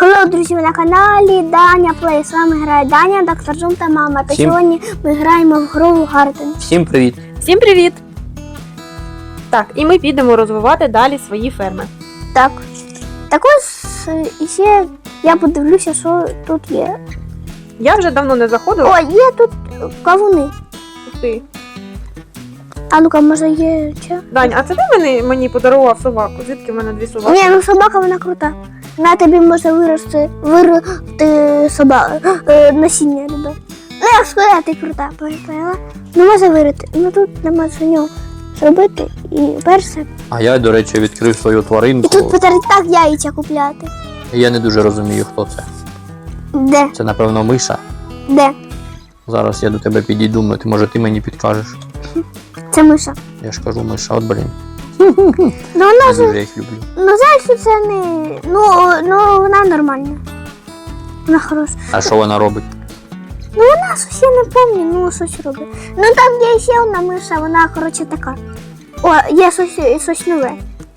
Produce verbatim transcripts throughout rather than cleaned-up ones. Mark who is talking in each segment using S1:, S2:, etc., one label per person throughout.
S1: Hello, друзі, ви на каналі Даня Плей. З вами грає Даня, доктор Зум та мама. Та
S2: Всім...
S1: сьогодні ми граємо в гру Гарден.
S2: Всім привіт!
S3: Всім привіт! Так, і ми підемо розвивати далі свої ферми.
S1: Так. Також е, ще я подивлюся, що тут є.
S3: Я вже давно не заходила.
S1: О, є тут кавуни.
S3: Ух ти.
S1: А ну-ка, може є чи?
S3: Дань, а це ти мені, мені подарував собаку? Звідки в мене дві собаки?
S1: Ні, ну собака вона крута. На тобі може вирости, вирости собака, е, насіння любе. Ну як сказати, крута, поняла? Ну може вирости. Ну тут нема що нього зробити. І перше.
S2: А я, до речі, відкрив свою
S1: І
S2: тваринку.
S1: тут потрібно так яйця купляти.
S2: Я не дуже розумію, хто це.
S1: Де?
S2: Це, напевно, миша.
S1: Де?
S2: Зараз я до тебе підійду, ну, ти, може ти мені підкажеш.
S1: Це миша.
S2: Я ж кажу, миша, от блін.
S1: Ну вона
S2: Я
S1: ж,
S2: дуже їх люблю.
S1: ну знаєш, що це не, ну, ну вона нормальна. Вона хороша.
S2: А що вона робить?
S1: Ну вона щось я не пам'ятаю, ну щось робить. Ну там є ще одна миша, вона, коротше, така. О, є щось, щось нове.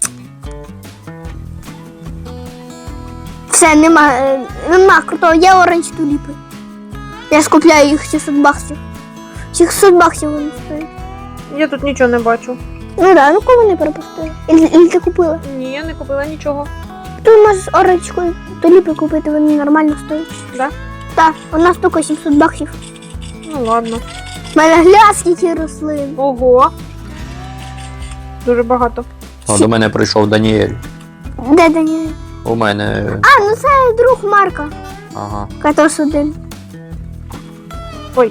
S1: Все, нема, е, нема крутого, є оранж туліпи. Я ж купляю їх шістсот баксів. шістсот баксів вони стоять.
S3: Я тут нічого не бачу.
S1: Ну да, ну кого не пропустили? Ілі, ілі ти купила?
S3: Ні, я не купила нічого.
S1: Ти можеш оранжку туліпи купити, вони нормально стоять.
S3: Да?
S1: Так, у нас тільки сімсот баксів.
S3: Ну ладно.
S1: У мене гля скільки рослин.
S3: Ого. Дуже багато.
S2: О, до мене прийшов Даніель.
S1: Де Даніель?
S2: У мене...
S1: А, ну це друг Марка.
S2: Ага.
S1: Катос один.
S3: Ой.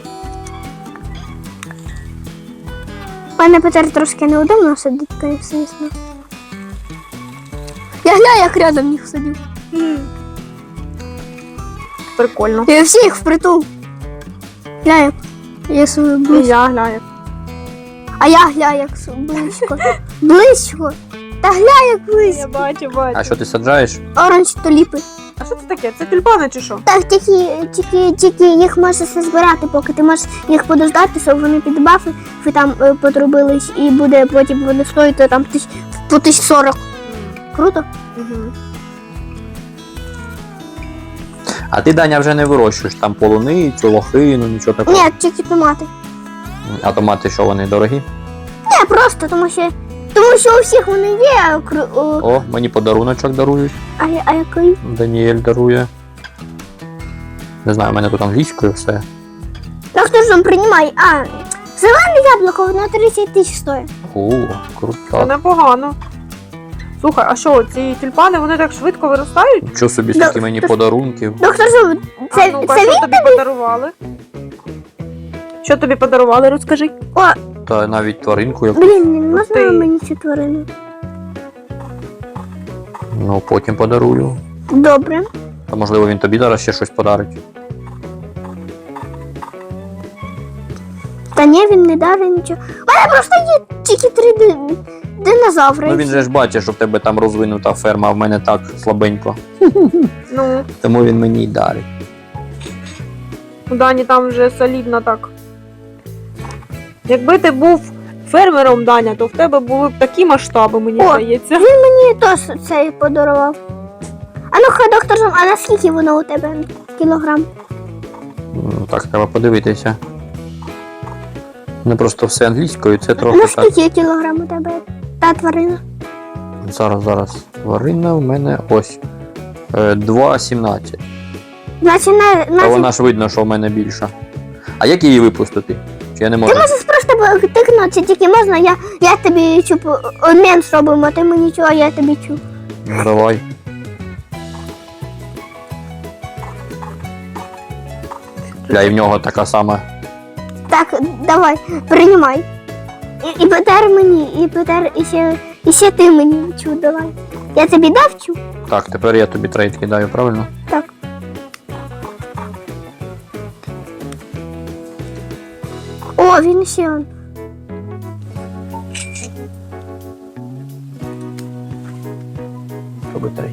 S1: Пане Петер трошки неудобно сидить, звісно. Я гля, як рядом їх сидів.
S3: Прикольно.
S1: Я всі їх впритул. Гля, як я свою
S3: І
S1: близько.
S3: я глянь.
S1: А я гля, як с- близько. Близько. Та гля, як
S3: Я
S1: близько.
S3: бачу, бачу.
S2: А що ти саджаєш?
S1: Оранж туліпи.
S3: А що це таке? Це тюльпани чи що?
S1: Так, тільки, тільки, тільки їх можеш все збирати, поки ти можеш їх подождати, щоб вони під бафи ви там е, потрубились, і буде потім вони стоїти там тисяч, по тисяч сорок. Круто?
S3: Угу.
S2: А ти, Даня, вже не вирощуєш там полуницю, лохину, нічого такого?
S1: Ні, тільки томати.
S2: А томати що, вони дорогі?
S1: Ні, просто, тому що, тому що у всіх вони є. А, кру- о,
S2: О, мені подаруночок дарують.
S1: а, я- а який?
S2: Даніель дарує. Не знаю, у мене тут англійською все.
S1: Так хто ж вам приймає? А, зелене яблуко, воно тридцять тисяч стоїть.
S2: О,
S3: Це
S2: круто.
S3: непогано. Слухай, а що, ці тюльпани, вони так швидко виростають?
S2: Нічого собі,
S1: Да,
S2: скільки мені
S1: ти-
S2: подарунків.
S1: Доктор Зуб,
S3: А
S1: це,
S3: ну-ка,
S1: це
S3: що
S1: він?
S3: тобі подарували? Що тобі подарували, розкажи.
S1: О,
S2: Та навіть тваринку яку.
S1: блін, не можна
S3: ти.
S1: мені цю тварину?
S2: Ну, потім подарую.
S1: Добре.
S2: Та можливо він тобі зараз ще щось подарить.
S1: Та ні, він не дарить нічого. У мене просто є тільки три ди- динозаври.
S2: Ну він же ж бачить, що в тебе там розвинута ферма, а в мене так слабенько.
S3: Ну,
S2: Тому він мені й дарить.
S3: у Дані там вже солідно так. Якби ти був фермером, Даня, то в тебе були б такі масштаби, мені
S1: О,
S3: здається.
S1: Він мені теж цей подарував. А ну-ка, доктор Зум, а наскільки воно у тебе кілограм?
S2: Ну, так, треба подивитися. Не просто все англійською, це трохи так.
S1: Наскільки кілограм у тебе та тварина?
S2: Зараз, зараз. Тварина в мене ось. Е, два сімнадцять.
S1: Значить, на,
S2: Та
S1: значить
S2: вона ж видно, що в мене більша. А як її випустити? Чи я не можу?
S1: ти можеш просто тикнути, тільки можна, я, я тобі чуп, обмін зробимо, ти мені чого, а я тобі чу.
S2: Ну, давай. Бля, і в нього така сама.
S1: Так, давай, приймай. І, і Петер мені, і Петер, і ще, і ще ти мені чу давай. Я тобі дав чу?
S2: Так, тепер я тобі трейд кидаю, правильно?
S1: Так. О, він ще он.
S2: Роби трейд.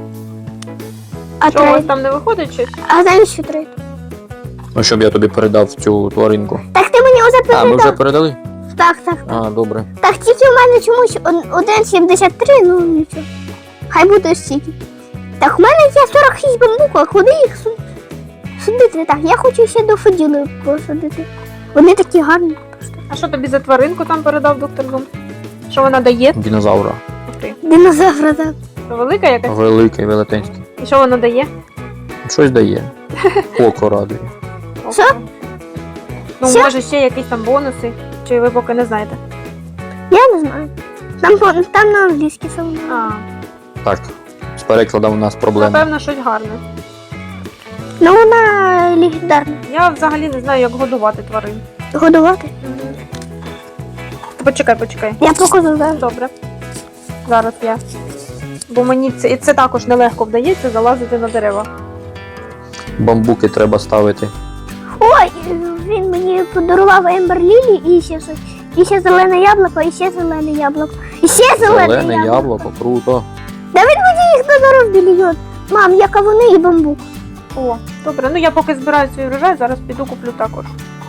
S1: А
S3: Що, у вас
S1: трейд?
S3: там не виходить щось?
S1: А навіщо трейд?
S2: Ну, щоб я тобі передав цю тваринку.
S1: Так ти мені вже
S2: А, ми вже
S1: передав.
S2: передали?
S1: Так, так.
S2: А, добре.
S1: Так, тільки у мене чомусь один сімдесят три, ну нічого. Хай буде стільки. Так, у мене є сорок шість бамбук. а куди їх су- судити? Так, я хочу ще до Фоділи посадити. Вони такі гарні просто.
S3: А що тобі за тваринку там передав доктор Зум? Що вона дає?
S2: Динозавра.
S3: Ух ти.
S1: Динозавра, так.
S3: Це велика якась?
S2: Великий, велетенський.
S3: І що вона дає?
S2: Щось дає. Око радує.
S1: Що?
S3: Ну,
S1: Що?
S3: може ще якісь там бонуси, чи ви поки не знаєте?
S1: Я не знаю. Там, по- там на англійській саме.
S3: А,
S2: Так, з перекладом у нас проблема.
S3: напевно, щось гарне.
S1: Ну вона легендарна.
S3: Я взагалі не знаю, як годувати тварин.
S1: Годувати.
S3: Почекай, почекай.
S1: Я покажу зараз.
S3: Добре. Зараз я. Бо мені це, і це також нелегко вдається залазити на дерева.
S2: Бамбуки треба ставити.
S1: Ой, він мені подарував Ембер Лілі і ще щось. І ще зелене яблуко, і ще зелене яблуко. І ще зелене,
S2: Зелене
S1: яблуко.
S2: яблуко, круто.
S1: Да він мені їх додоров мільйон. Мам, я кавуни і бамбук.
S3: О, добре. Ну я поки збираю свій врожай, зараз піду куплю також.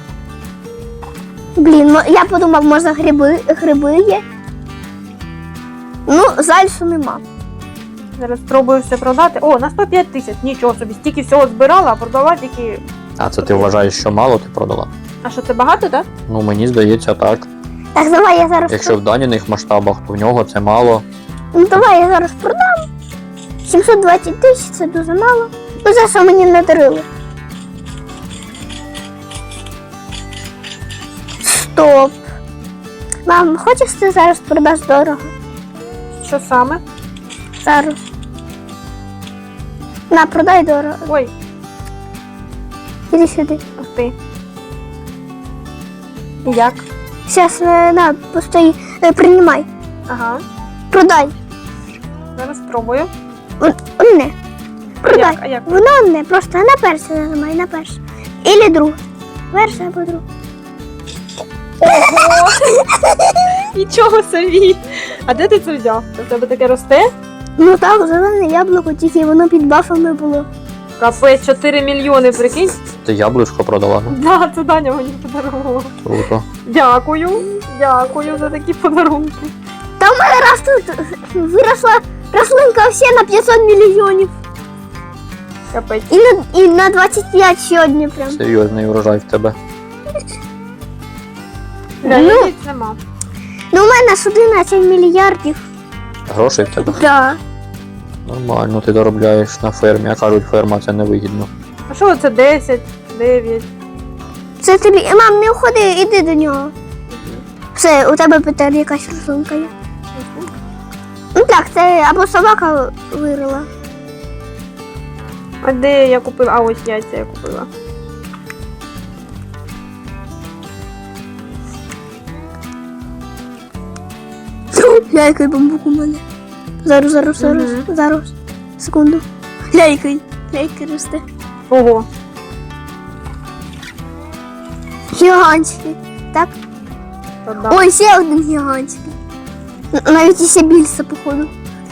S1: Блін, ну, я подумав, може гриби, гриби є. Ну, зальсу нема.
S3: Зараз спробую все продати. О, на сто п'ять тисяч. Нічого собі. Стільки всього збирала, а продала тільки.
S2: А це ти вважаєш, що мало ти продала?
S3: А що це багато, так?
S2: Ну мені здається так.
S1: Так, давай я зараз.
S2: Якщо в даніних масштабах, то в нього це мало.
S1: Ну давай я зараз продам. сімсот двадцять тисяч це дуже мало. Ну за що мені не дарили? Стоп. Мам, хочеш ти зараз продаш дорого?
S3: Що саме?
S1: Зараз. На, продай дорого.
S3: Ой,
S1: Іди сюди.
S3: ух ти. І як?
S1: Зараз на, постой, е, приймай.
S3: Ага.
S1: Продай.
S3: Зараз спробую.
S1: Одне. Продай.
S3: Як? А як?
S1: Воно одне, просто на перше нажимай, на перше. Ілі друге. Перше або друге.
S3: Ого! Нічого собі! А де ти це взяв? Це в тебе таке росте?
S1: Ну так, зелене яблуко, тільки воно під бафами було.
S3: Капець, чотири мільйони, прикинь?
S2: Ти яблучко продала, ну
S3: Да, це Даня мені подарував.
S2: круто.
S3: Дякую, дякую за такі подарунки.
S1: Та в мене раз тут виросла рослинка всі на п'ятсот мільйонів.
S3: Капець.
S1: І на, і на двадцять п'ять сьогодні прям.
S2: Серйозний урожай в тебе.
S3: Да,
S1: Ну.
S3: яєць нема.
S1: Ну у мене ж одинадцять мільярдів.
S2: Грошей в тебе.
S1: Да.
S2: Нормально, ти доробляєш на фермі, а кажуть, ферма це невигідно.
S3: А що це десять, дев'ять?
S1: Це тобі. Мам, не уходи, іди до нього. Все, у тебе Петер якась рослинка є. Ну так, це або собака вирила.
S3: А де я купила? А ось яйця я купила.
S1: Ля, який бамбук у мене. Зараз, зараз, зараз,
S3: Мгм.
S1: зараз. Секунду. Ля, який. Ля, який росте.
S3: Ого,
S1: Гігантський. Так?
S3: то да.
S1: Ой, ще один гігантський. Н- Навіть і ще більше, походу.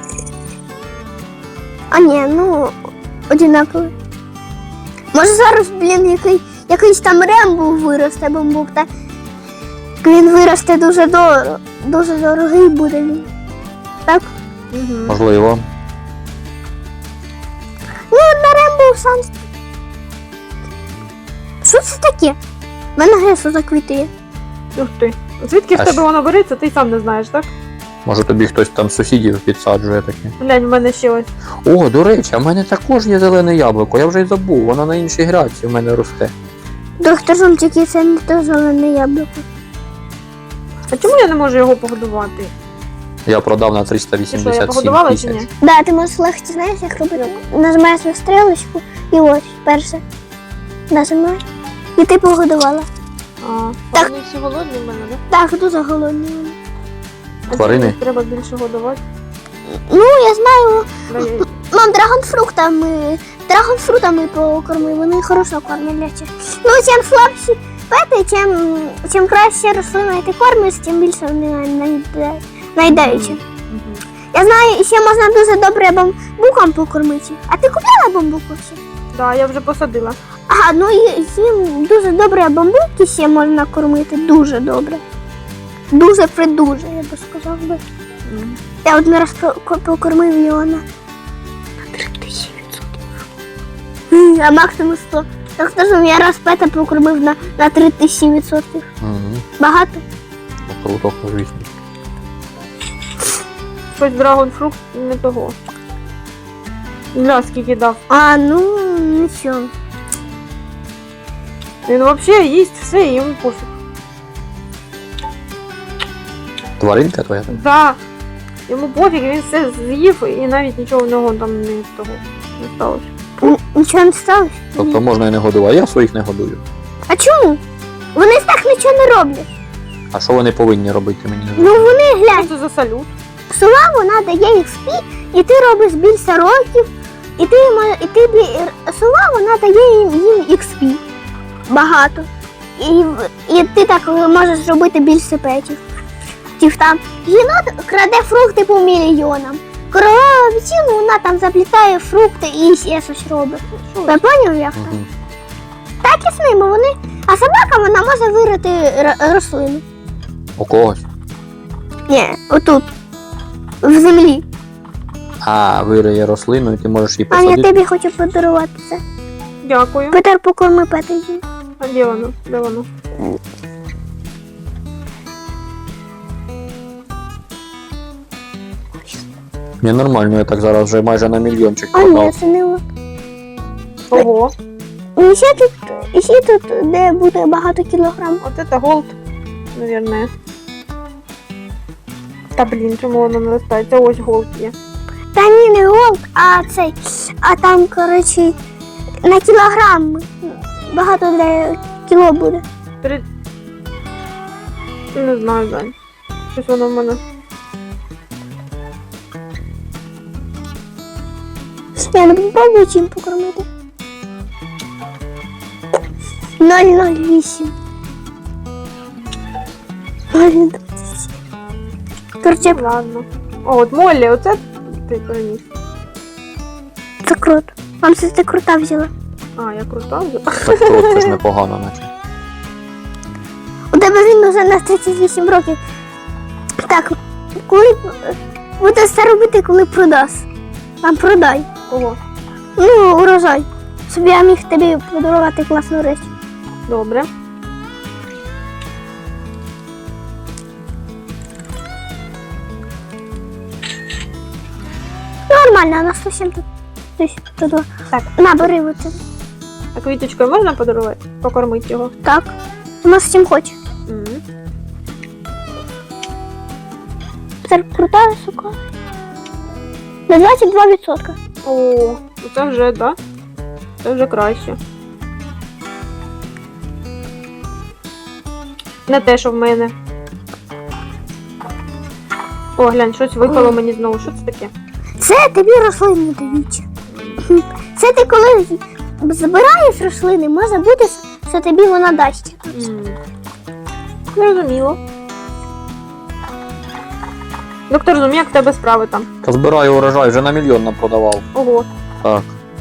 S1: А ні, ну, одинаковий. Може зараз, блін, який, якийсь там Рембо виросте бамбук, так? Він виросте дуже дорого. Дуже дорогий буде він. Так?
S3: Мгм.
S2: Можливо.
S1: Ну, на Рембо сам. Що це таке? В мене гесо заквітує.
S3: Ух ти. Звідки в
S2: А
S3: тебе
S2: що?
S3: воно береться, ти й сам не знаєш, так?
S2: Може тобі хтось там з сусідів підсаджує таке.
S3: Глянь, в мене ще ось.
S2: О, до речі, а в мене також є зелене яблуко, я вже й забув, воно на іншій грядці в мене росте.
S1: Доктор Зум, тільки це не то зелене яблуко.
S3: А чому я не можу його погодувати?
S2: Я продав на
S3: Ти що, я
S2: триста вісімдесят
S3: погодувала
S2: сім
S3: чи
S2: тисяч.
S3: ні?
S1: Да, ти можеш легко, знаєш, як робити? Нажимаєш на стрілочку і ось перше. Нажимаєш. І ти погодувала.
S3: А,
S1: Так.
S3: вони всі голодні в мене, так?
S1: Так, дуже голодні вони.
S3: А
S2: Тварини?
S3: чому треба більше годувати?
S1: Ну, я знаю.
S3: Да, я-
S1: Мам, драгонфруктами. Драгонфрутами покорми, вони хорошо кормляться. Ну, чим слабші пети, чим, чим краще рослина ти кормиш, тим більше вони наїда- наїдаються.
S3: Мгм.
S1: Я знаю, ще можна дуже добре бамбуком покормити. А ти купляла бамбук ще?
S3: Да, я вже посадила.
S1: Ага, ну і їм дуже добре бамбуки ще можна кормити, дуже добре. Дуже придуже, я би сказав би.
S3: Мгм.
S1: Я один раз про- ко- покормив його на три тисячі відсотків. А максимум сто. Так скажем, я раз пета покормив на, на три тисячі відсотків.
S2: Угу.
S1: Багато?
S2: Ну, круто, звісно.
S3: Щось драгонфрукт не того. Гля, скільки дав.
S1: А, ну, нічого.
S3: Він взагалі їсть все і йому пофіг.
S2: Тваринка твоя?
S3: Да. Йому пофіг, він все з'їв і навіть нічого в нього там не того не сталося.
S1: Н- Нічого не сталося?
S2: Тобто можна і не годувати, а я своїх не годую.
S1: А чому? Вони ж так нічого не роблять.
S2: А що вони повинні робити, мені не
S1: Ну
S2: знаю.
S1: вони, глянь,
S3: Що це за салют?
S1: сова вона дає ікс пі, і ти робиш більше років, і ти, мо- і ти бі- сова вона дає їм, їм ікс пі. Багато. І, в- і ти так можеш робити більше петів. Тів там єнот краде фрукти по мільйонам. Королева вічину, вона там заплітає фрукти і ще щось робить. Ви поняв як?
S2: Угу.
S1: Так і з ними вони. А собака вона може вирити р- рослину.
S2: У когось.
S1: Ні, отут. В землі.
S2: А, вириє рослину, і ти можеш її
S1: А я
S2: посадити.
S1: тобі хочу подарувати це.
S3: Дякую.
S1: Петер, покорми петиці.
S3: А де воно? Де воно?
S2: Ні, нормально, я так зараз вже майже на мільйончик
S1: А ні,
S2: продав.
S1: це не от.
S3: Ого.
S1: І ще тут, і ще тут, де буде багато кілограм.
S3: От це голд, наверное. Та блін, чому воно не ростається? Ось голд є.
S1: Та ні, не голд, а цей. А там, коротше, на кілограм. Багато де кіло буде.
S3: Три... Не знаю, Дань. Щось воно в мене.
S1: Я не попробую чим покормити. нуль нуль вісім. нуль двадцять сім. Короче,
S3: Ладно. О, от Моллі, оце ти переніс.
S1: це круто. Вам це ти крута взяла.
S3: А, я крута вже.
S2: Так круто, це ж непогано, наче.
S1: У тебе він вже на тридцять вісім років. Так, коли буде це робити, коли продасть. Там продай.
S3: Ого.
S1: Ну, урожай. Щоб я міг тобі подарувати класну річ.
S3: Добре.
S1: Нормально, а на сто сім тут. Десь тут. два.
S3: Так.
S1: На, бери оце.
S3: А квіточкою можна подарувати? Покормити його?
S1: Так. Вона з чим хоче.
S3: Мгм.
S1: Це крута сука. На двадцять два відсотки.
S3: О, це вже, да? Це вже краще. Не те, що в мене. О, глянь, щось випало мені знову. Що це таке?
S1: Це тобі рослини дають. Це ти коли забираєш рослини, може бути, що тобі вона дасть.
S3: М. Зрозуміло. Доктор Зум, як в тебе справи там?
S2: Та збираю урожай, вже на мільйон напродавав.
S3: Ого.
S2: Так.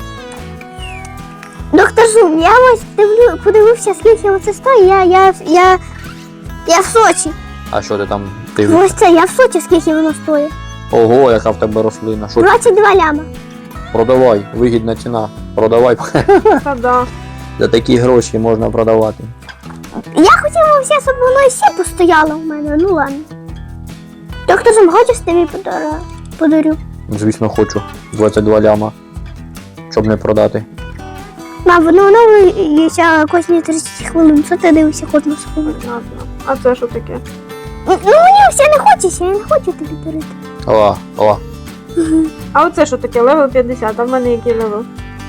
S1: Доктор Зум, я ось дивлю, подивився, скільки оце стоїть, я, я, я, я в Сочі.
S2: А що ти там? Ти...
S1: Ось це, я в Сочі, скільки воно стоїть.
S2: Ого, яка в тебе рослина. Що?
S1: двадцять два ляма.
S2: Продавай, вигідна ціна. Продавай.
S3: Та да.
S2: За такі гроші можна продавати.
S1: Я хотіла все, щоб воно ще постояло в мене, ну ладно. Доктор Зум, хочеш тобі подара- подарю?
S2: Звісно, хочу. двадцять два ляма. Щоб не продати.
S1: Мам, воно оновлюється кожні тридцять хвилин, що ти дивишся кожну секунду?
S3: Понятно. А це що таке?
S1: Ну мені все не хочеться, я не хочу тобі дарити.
S2: О, о.
S3: А оце що таке? Левел п'ятдесят, а в мене який левел?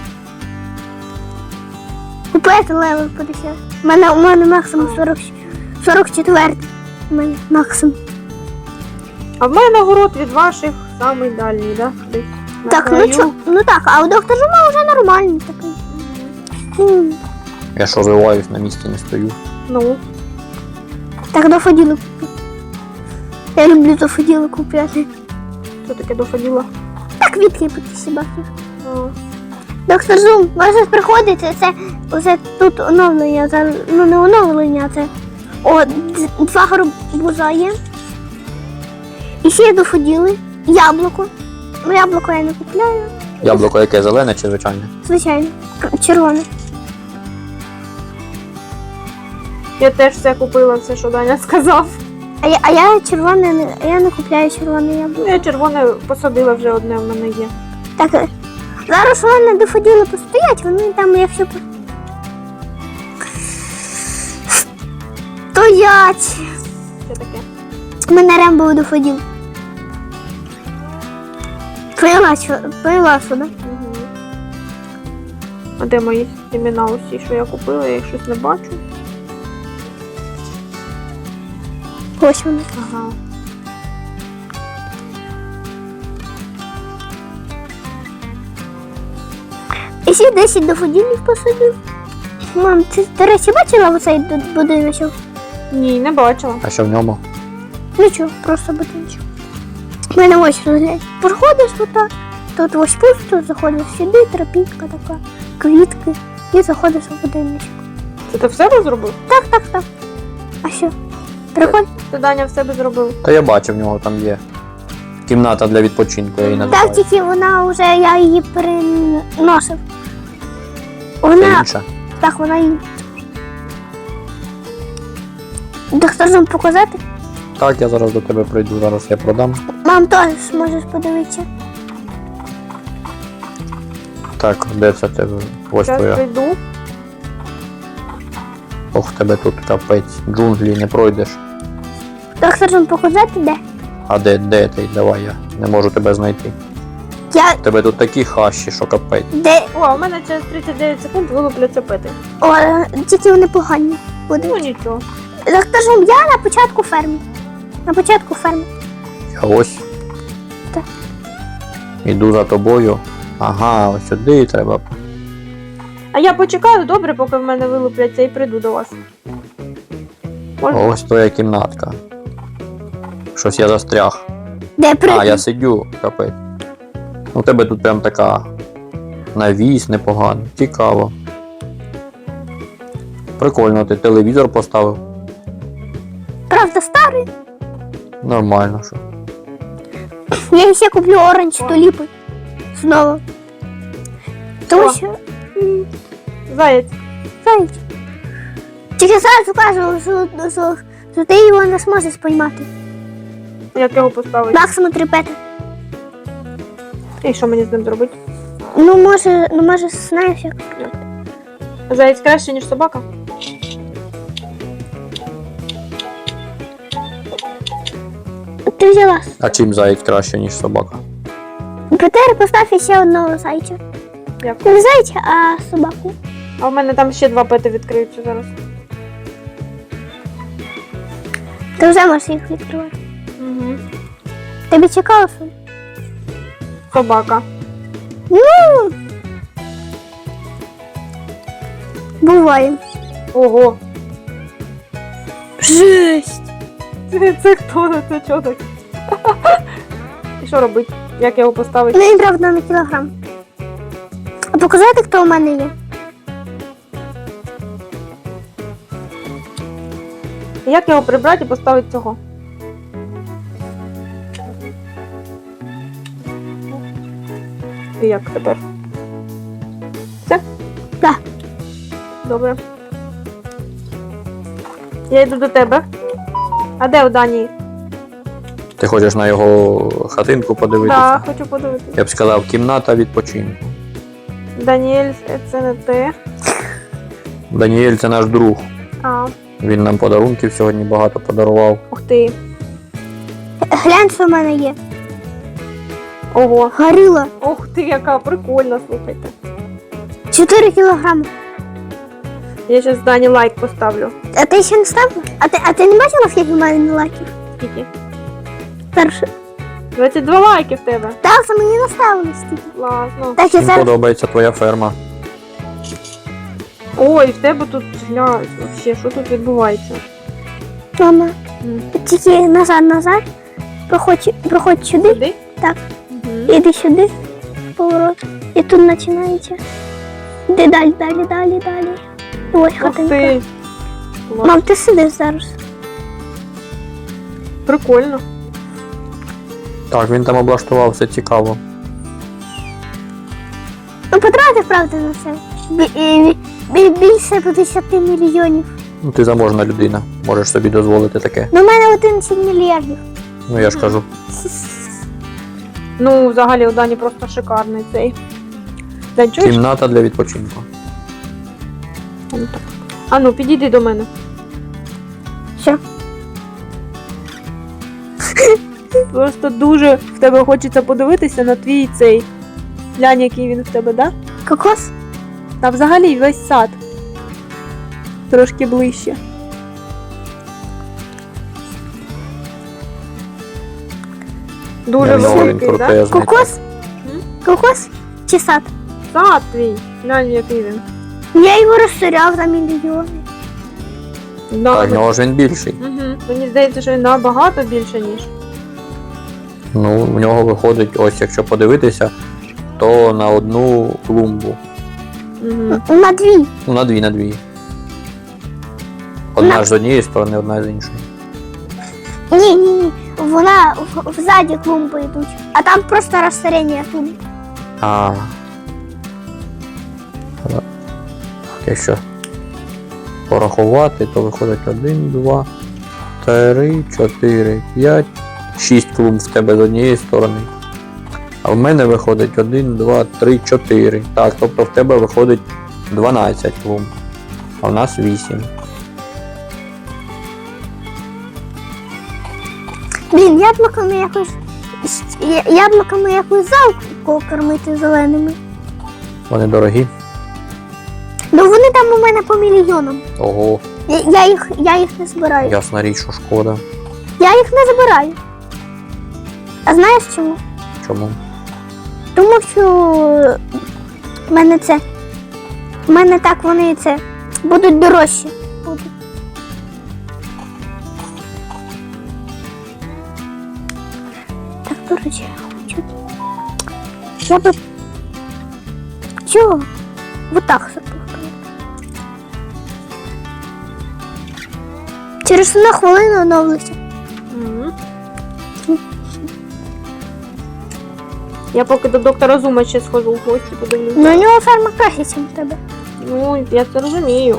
S1: Купити левел п'ятдесят. У мене, у мене максимум сорок, сорок четвертий. У мене максимум.
S3: А в мене город від ваших самий дальній, да? Десь на
S1: Так, ну
S3: краю.
S1: чо, ну так, а у доктора Жума вже нормальний такий. М,
S2: Я ж розвиваюсь, на місці не стою.
S3: Ну,
S1: Так, дофоділи купити. Я люблю дофоділи купляти.
S3: що таке доходило?
S1: Так, відкріпити собаки.
S3: А,
S1: Доктор Зум, може приходити, це оце тут оновлення, це, ну не оновлення, це о, д- два гарбуза є. І ще дофоділи, яблуко. Ну, яблуко я не купляю.
S2: Яблуко яке, зелене чи звичайне?
S1: Звичайно. Червоне.
S3: Я теж все купила, все, що Даня сказав.
S1: А я, а я червоне не, я не купляю червоне яблуко.
S3: Я червоне посадила вже одне в мене є.
S1: Так, е, зараз вони доходили постоять, вони там, якщо по- стоять.
S3: Що таке?
S1: Мене Рембо доходив. Пила, що- пила сюди.
S3: Угу. А де мої імена усі, що я купила, я їх щось не бачу.
S1: Ось вони.
S3: Ага.
S1: І всі десять доходів посадив. Мам, ти, до речі, бачила оцей д- будиночок?
S3: Ні, не бачила.
S2: А що в ньому?
S1: Нічого, просто будиночок. У мене ось розглядь. Проходиш отак, тут ось пусто, заходиш сюди, тропінка така, квітки, і заходиш у будиночок.
S3: Це ти в себе зробив?
S1: Так, так, так. А що? Приходь.
S3: Ти, Даня, в себе зробив.
S2: Та я бачив, в нього там є. Кімната для відпочинку, я її
S1: Так,
S2: називаю.
S1: тільки вона вже, я її переносив.
S2: Це
S1: Вона,
S2: інша.
S1: так, вона її. Доктор нам показати?
S2: Так, я зараз до тебе прийду, зараз я продам.
S1: Мам, теж можеш подивитися.
S2: Так, де це тебе? Ось
S3: Зараз
S2: твоя.
S3: прийду.
S2: Ох, тебе тут капець. Джунглі не пройдеш.
S1: Доктор нам показати де?
S2: А де, де ти? Давай я не можу тебе знайти.
S1: Я,
S2: У тебе тут такі хащі, що капець.
S1: де,
S3: О, у мене через тридцять дев'ять секунд вилупляться пити.
S1: о, тільки вони погані
S3: Ну
S1: будуть.
S3: нічого.
S1: Доктор Жум, я на початку ферми. На початку ферми.
S2: Я ось.
S1: Так.
S2: Іду за тобою. Ага, ось сюди треба.
S3: А я почекаю добре, поки в мене вилупляться, і прийду до вас. Можна?
S2: Ось твоя кімнатка. Щось я застряг.
S1: Де прийти?
S2: А, я сидю, капець. У тебе тут прям така навіс непогано. Цікаво. Прикольно, ти телевізор поставив.
S1: Правда, старий.
S2: Нормально, що.
S1: Я ще куплю оранж туліпи. Знову. Тому
S3: О.
S1: що. м,
S3: Заєць.
S1: Знаєте. Тільки зараз кажу, що, що, що ти його не зможеш спіймати.
S3: Як його поставити?
S1: Максимум три пети.
S3: І що мені з ним зробити?
S1: Ну, може, ну може, знаєш як.
S3: Заєць краще, ніж собака?
S1: Ти взяла.
S2: А чим заєць краще, ніж собака?
S1: Петер, постав ще одного зайця.
S3: Як?
S1: Не зайця, а собаку.
S3: А в мене там ще два пети відкриються зараз.
S1: Ти вже можеш їх відкривати.
S3: Угу.
S1: Тобі цікаво? Сонь?
S3: Собака.
S1: Ну. Буває.
S3: Ого.
S1: Жесть.
S3: Це, це хто? Це чого так? І що робити? Як його поставити?
S1: Ну, він, правда, на кілограм. А показати, хто у мене є?
S3: Як його прибрати і поставити цього? І як тепер? Все?
S1: Так.
S3: Добре. Я йду до тебе. А де у Данії?
S2: Ти хочеш на його хатинку подивитися?
S3: Так, хочу подивитися.
S2: Я б сказав, кімната відпочинку.
S3: Даніель, це не те.
S2: Даніель це наш друг.
S3: А,
S2: Він нам подарунків сьогодні багато подарував.
S3: ух ти.
S1: Глянь, що в мене є.
S3: Ого.
S1: Горила.
S3: Ух ти, яка прикольна, слухайте.
S1: чотири кілограми.
S3: Я зараз Дані лайк поставлю.
S1: А ти ще не ставила? А ти, а ти не бачила, скільки в мене лайків?
S3: Скільки?
S1: Перше.
S3: двадцять два лайки в тебе.
S1: Так, це мені наставили стільки.
S3: Класно.
S1: Так, я
S2: Всім
S1: зараз.
S2: подобається твоя ферма.
S3: Ой, в тебе тут глянь, вообще, що тут відбувається?
S1: Мама,
S3: М.
S1: тільки назад, назад. Проходь, проходь сюди.
S3: Сюди?
S1: Так.
S3: Угу.
S1: Іди сюди. Поворот. І тут починається. Іди далі, далі, далі, далі. І ось
S3: Ух
S1: хатинка.
S3: ти. Клас.
S1: Мам, ти сидиш зараз.
S3: Прикольно.
S2: Так, він там облаштував, все цікаво.
S1: правда на це. Бі- е, бі- Більше п'ятдесят мільйонів.
S2: Ну, ти заможна людина, можеш собі дозволити таке.
S1: Ну, у мене одинадцять мільярдів.
S2: Ну я ж кажу.
S3: Ну, взагалі у Дані просто шикарний цей. Дань, чуєш?
S2: Кімната для відпочинку.
S3: Ну, так. А ну, підійди до мене.
S1: Що?
S3: Просто дуже в тебе хочеться подивитися на твій цей. Глянь, який він в тебе, да?
S1: Кокос?
S3: Та взагалі весь сад. Трошки ближче. Дуже
S2: Я знаю, він
S3: великий, да?
S2: крутезний.
S1: Кокос?
S3: М?
S1: Кокос? Чи сад?
S3: Сад твій. Глянь, який він.
S1: Я його розширяв за мільйони.
S3: Да,
S2: Так, в нього ж він більший.
S3: Угу. Мені здається, що він набагато більше, ніж.
S2: Ну, в нього виходить, ось якщо подивитися, то на одну клумбу.
S3: Угу.
S1: На дві.
S2: Ну, на дві, на дві. Одна
S1: На-
S2: ж з однієї сторони, одна з іншої.
S1: Ні, ні, ні. Вона в- взаді клумби йдуть. А там просто розширення клумб.
S2: А. Так, якщо порахувати, то виходить один, два, три, чотири, п'ять, шість клумб в тебе з однієї сторони. А в мене виходить один, два, три, чотири. Так, тобто в тебе виходить дванадцять клумб. А в нас вісім.
S1: Блін, яблуками якось. я- Яблуками якусь залку кормити зеленими.
S2: Вони дорогі.
S1: Ну вони там у мене по мільйонам.
S2: Ого,
S1: Я, я, їх, я їх не збираю.
S2: ясна річ, що шкода.
S1: Я їх не збираю. А знаєш чому?
S2: Чому?
S1: Тому що в мене це. В мене так вони це будуть дорожчі. Будуть. Так, до речі, я хочу. Я би. Чого? Вот так запихаю. Через одну хвилину оновлюся.
S3: Угу. Я поки до доктора Зума ще схожу в гості, подивлюся.
S1: Ну у нього ферма краще, ніж у тебе.
S3: Ну, я це розумію.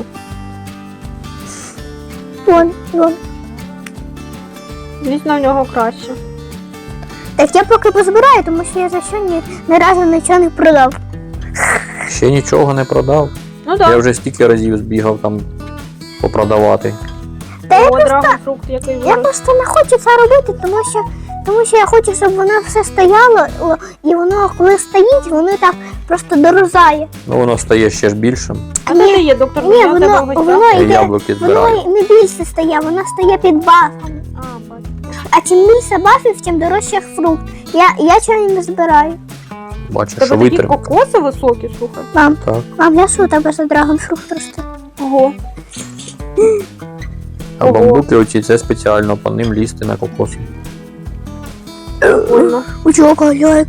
S1: Вон, вон.
S3: Звісно, в нього краще.
S1: Так я поки позбираю, тому що я за що ні, ні разу нічого не продав.
S2: Ще нічого не продав.
S3: Ну
S2: Я
S3: так.
S2: вже стільки разів збігав там попродавати.
S1: Та я
S3: О,
S1: просто,
S3: драгонфрукт, який
S1: я
S3: вирос.
S1: просто не хочу це робити, тому що, тому що я хочу, щоб воно все стояло, о, і воно, коли стоїть, воно так просто дорозає.
S2: Ну воно стає ще ж більшим.
S3: А де ти є, доктор
S1: Ні,
S3: Зума? У тебе
S1: воно,
S3: в гостях?
S1: воно
S2: Я
S1: йде,
S2: яблуки
S1: воно
S2: збираю.
S1: не більше стає, воно стає під бафами.
S3: А, бачу.
S1: А чим більше бафів, тим дорожче фрукт. Я, я чого не збираю.
S2: Бачиш,
S3: У тебе
S2: що
S3: такі
S2: витримав.
S3: кокоси високі, слухай.
S1: Мам,
S2: Так.
S1: мам, я що у тебе за драгонфрукт росте?
S3: Ого.
S2: А
S3: Ого.
S2: бамбуки оці це спеціально по ним лізти на кокоси.
S3: Прикольно.
S1: У чого галяє?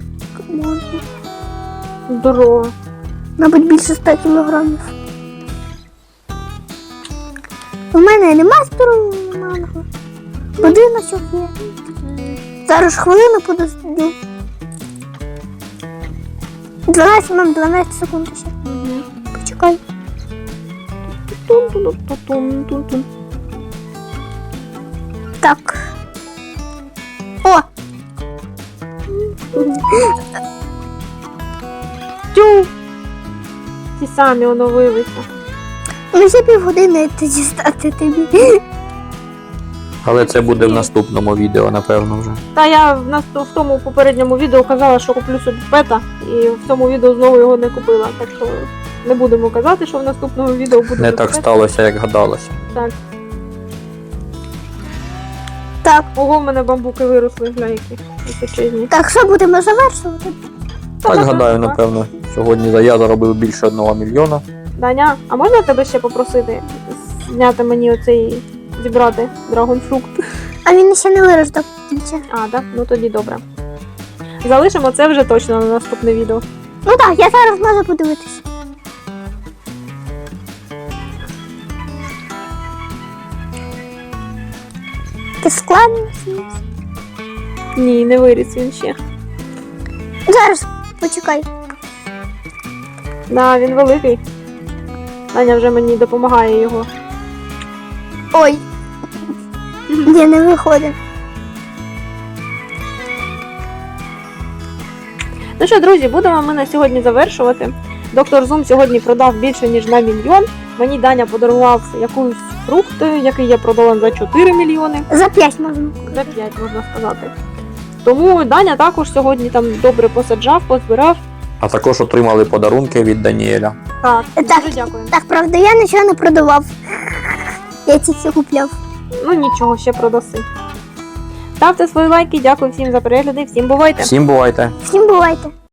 S3: Здорово.
S1: Мабуть, більше ста кілограмів. У мене нема здорового манго. Будиночок є. Зараз хвилину подожду. дванадцять, мам, дванадцять секунд ще.
S3: Угу.
S1: Почекай.
S3: Тун-тун-тун-тун-тун-тун.
S1: Так. О!
S3: Тю! Ті самі оновилися.
S1: Ну ще півгодини ти дістати тобі.
S2: Але це буде в наступному відео, напевно, вже.
S3: Та я в нас в тому попередньому відео казала, що куплю собі пета, і в цьому відео знову його не купила. Так що не будемо казати, що в наступному відео буде.
S2: Не
S3: без
S2: так
S3: пета.
S2: сталося, як гадалося.
S3: Так.
S1: Так,
S3: Ого, в мене бамбуки виросли, гля які височезні.
S1: так, що будемо завершувати?
S3: Та
S2: Так
S3: можна
S2: гадаю,
S3: так.
S2: напевно. Сьогодні я заробив більше одного мільйона.
S3: Даня, а можна тебе ще попросити зняти мені оцей, зібрати драгонфрукт?
S1: А він ще не вирос до кінця.
S3: А, так? Ну тоді добре. Залишимо це вже точно на наступне відео.
S1: Ну так, я зараз можу подивитися. Ти складно?
S3: Ні, не виріс він ще.
S1: Зараз, почекай.
S3: Да, він великий. Даня вже мені допомагає його.
S1: Ой. Ні, не виходить.
S3: Ну що, друзі, будемо ми на сьогодні завершувати. Доктор Зум сьогодні продав більше, ніж на мільйон. Мені Даня подарував якусь фрукт, який я продала за чотири мільйони.
S1: За п'ять можна.
S3: За п'ять, можна сказати. Тому Даня також сьогодні там добре посаджав, позбирав.
S2: А також отримали подарунки від Даніеля.
S3: Так,
S1: Так.
S3: дуже дякую.
S1: Так, правда, я нічого не продавав. Я тільки купляв.
S3: Ну нічого, ще продаси. Ставте свої лайки, дякую всім за перегляди, всім бувайте!
S2: Всім бувайте!
S1: Всім бувайте.